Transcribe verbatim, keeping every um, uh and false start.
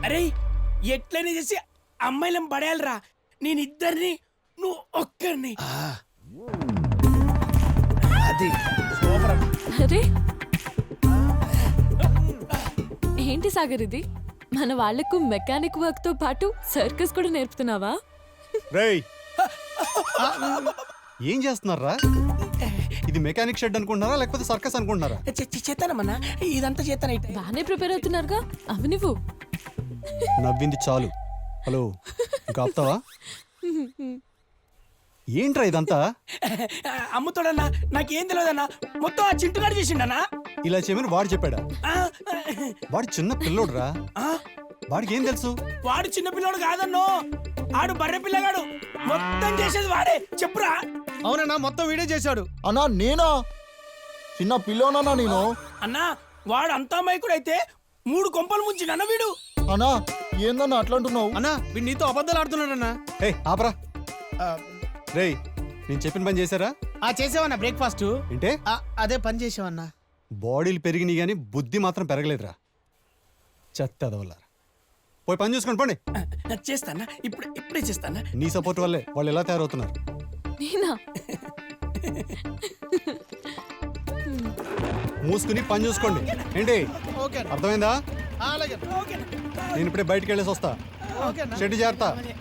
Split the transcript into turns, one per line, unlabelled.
అరే ఎట్లనే చేసి అమ్మాయిలం పడేయాలరా. నేను ఇద్దరిని నువ్వు ఒక్కరిని.
అది సూపర్.
అరే ఏంటి సాగర్ ఇది? మన వాళ్లకు మెకానిక్ వర్క్ తో పాటు సర్కస్ కూడా నేర్పుతున్నావా?
రేయ్ ఏం చేస్తున్నారా? ఇది మెకానిక్ షెడ్ అనుకుంటున్నారా లేకపోతే సర్కస్ అనుకుంటున్నారా?
చేస్తానమ్మన్నా, ఇదంతా చేస్తాను.
బానే ప్రిపేర్ అవుతున్నారుగా, అవి నువ్వు.
నవ్వింది చాలు. హలో ఇంకా ఆపుతావా? ఏంట్రా ఇదంతా?
అమ్ముతాడన్నా, నాకేం తెలియదన్నా. మొత్తం ఆ చింటుగాడు చేసిండన్నా.
ఇలా చేయమని వాడు చెప్పాడా?
ఆ,
వాడు చిన్న పిల్లోడురా,
ఆ,
వాడికి ఏం తెలుసు?
వాడు చిన్న పిల్లోడు కాదన్నో, ఆడు బర్రె పిల్లగాడు. మొత్తం చేసేది వాడే. చెప్పురా.
అవునన్నా, మొత్తం వీడియో చేశాడు.
అన్నా నేనా? చిన్న పిల్లోనన్నా నేను.
అన్నా వాడు అంతా మైకుడు అయితే మూడు కొంపలు ముంచిండన్న వీడు.
అన్నా ఏందన్నా అట్లా అంటున్నావు?
అన్నా వీడు నీతో అబద్ధాలు ఆడుతున్నాడన్నా.
ఏ ఆపరా. రేయ్ నేను చెప్పిన పని చేశారా?
ఆ చేసావన్నా బ్రేక్ఫాస్ట్.
ఏంటే?
అదే పని చేసావన్నా.
బాడీలు పెరిగినాయి కానీ బుద్ధి మాత్రం పెరగలేదురా. చెత్త అదవల్లారా. పోయి పని చూసుకోండి పోండి.
చేస్తానా, ఇప్పుడు ఇప్పుడే చేస్తానా.
నీ సపోర్ట్ వల్లే వాళ్ళు ఎలా తయారవుతున్నారు.
నేనా?
మూసుకుని పని చూసుకోండి. ఏంటి
ఓకే
అర్థమైందా?
అలాగే.
నేను ఇప్పుడే బయటికి వెళ్ళేసి వస్తా.
ఓకే
షెడ్ జాగ్రత్త.